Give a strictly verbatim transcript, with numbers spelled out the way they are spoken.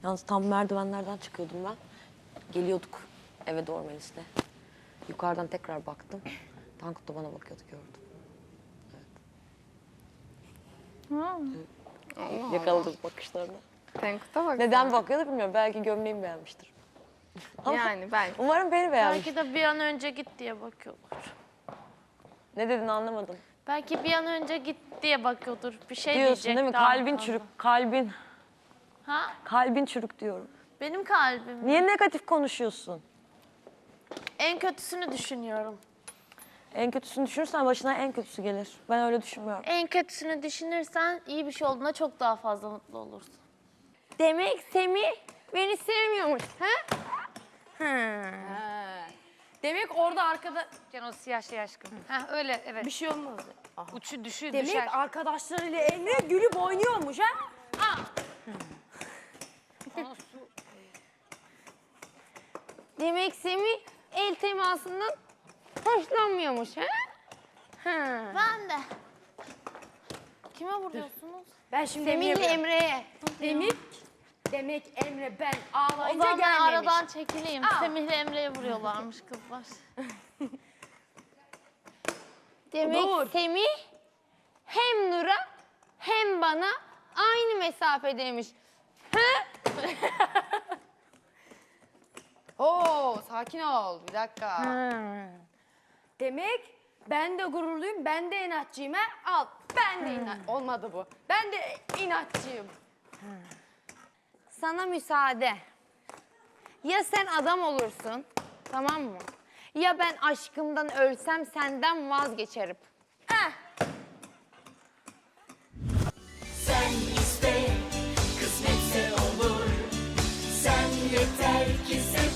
Yalnız tam merdivenlerden çıkıyordum ben. Geliyorduk eve doğru Melis'le. Yukarıdan tekrar baktım. Tankut da bana bakıyordu, gördüm. Evet. Evet. Yakaladım bakışlarını. Tankut'a bak. Neden bakıyordu bilmiyorum. Belki gömleğimi beğenmiştir. Ama Yani ben. umarım beni beğenmiştir. Belki de bir an önce git diye bakıyorlar. Ne dedin anlamadım. Belki bir an önce git diye bakıyordur. Bir şey Diyorsun diyecek değil mi? daha Kalbin fazla. çürük, kalbin. Ha? Kalbin çürük diyorum. Benim kalbim. Niye negatif konuşuyorsun? En kötüsünü düşünüyorum. En kötüsünü düşünürsen başına en kötüsü gelir. Ben öyle düşünmüyorum. En kötüsünü düşünürsen iyi bir şey olduğunda çok daha fazla mutlu olursun. Demek Semih beni sevmiyormuş. Ha? Ha. Demek orada arkada... Can o siyah şey aşkım. Ha öyle evet. Bir şey olmaz. Uçu düşü Demek düşer. arkadaşlarıyla Emre gülüp oynuyormuş ha? Demek Semih el temasından hoşlanmıyormuş ha? Ha. Ben de. Kime vuruyorsunuz? Ben şimdi Semih'le Emre'ye... Emre'ye. Demek, demek Emre ben O ağlayınca zaman ben gelmemiş. aradan çekileyim. Semih'le Emre'ye vuruyorlarmış kızlar. Demek Dur. Semih hem Nur'a hem bana aynı mesafedeymiş. Ha? Oo sakin ol bir dakika. Demek ben de gururluyum, ben de inatçıyım ha? Al, ben de inat... Olmadı bu. Ben de inatçıyım. Sana müsaade. Ya sen adam olursun, tamam mı? Ya ben aşkımdan ölsem senden vazgeçerim. Eh. Sen iste, kısmetse olur. Sen yeter ki sev.